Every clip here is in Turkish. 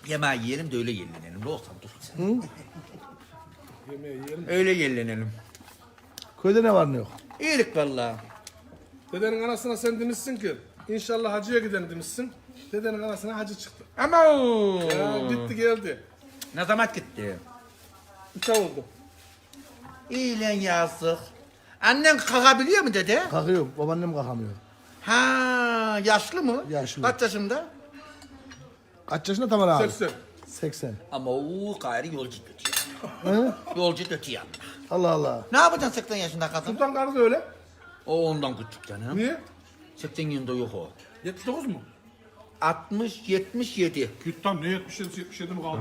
Yemeği yiyelim de öyle yenilenelim. Ne olsam dur sen. Yemeği yiyelim. Öyle yenilenelim. Köyde ne var ne yok? İyilik vallahi. Dedenin anasına sen demişsin ki inşallah hacıya gidelim demişsin. Dedenin anasına hacı çıktı. Ama Ya gitti geldi. ne zaman gitti? 3 ay oldu. İyi lan yazık. Annen kalkabiliyor mu dede? Kalkıyor. Babaannem kalkamıyor. Ha, yaşlı mı? Yaşlı. Kaç yaşında? Kaç yaşında Tamer abi? 80. 80. Ama o gayri yolcu götüyor. Hı? Yolcu götüyor. Allah Allah. Ne yapacaksın 80 yaşında kadın? Sultan karı da öyle. O ondan küçük canım. Niye? 80 yılında yok o. 79 mu? 60, 77. Git tam ne 77 77 mi kaldı?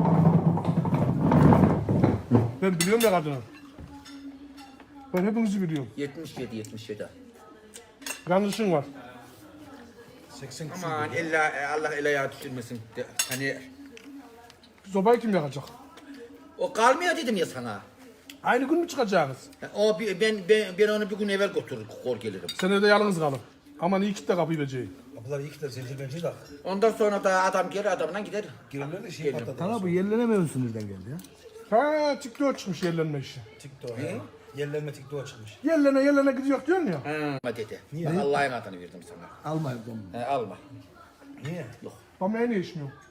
Ben biliyorum ya kadını. Ben hepinizi biliyorum. 77, 77. Yanlışın var. 80 Aman Allah el ayağı düşürmesin. Hani Sobayı kim yakacak? o kalmıyor dedim ya sana. Aynı gün mü çıkacaksınız? Ben onu bir gün evvel götürür kor gelirim. Sen evde yalnız kalın. Aman iyi kitle kapıyı beceği. Kapılar iyi ki de zincirlenci de Ondan sonra da adam gelir adamla gider. girerler de şey Gelin. patladı. Sana bu yerlenemiyorsun nereden geldi ya? Ha TikTok çıkmış yerlenme işi. TikTok. he. Yerlenme TikTok'a çıkmış. Yerlene gidiyor diyorsun ya. Ha dedi. Bak Allah'ın adını verdim sana. Alma evden. Alma. Niye? Yok. Ama en iyi iş mi yok?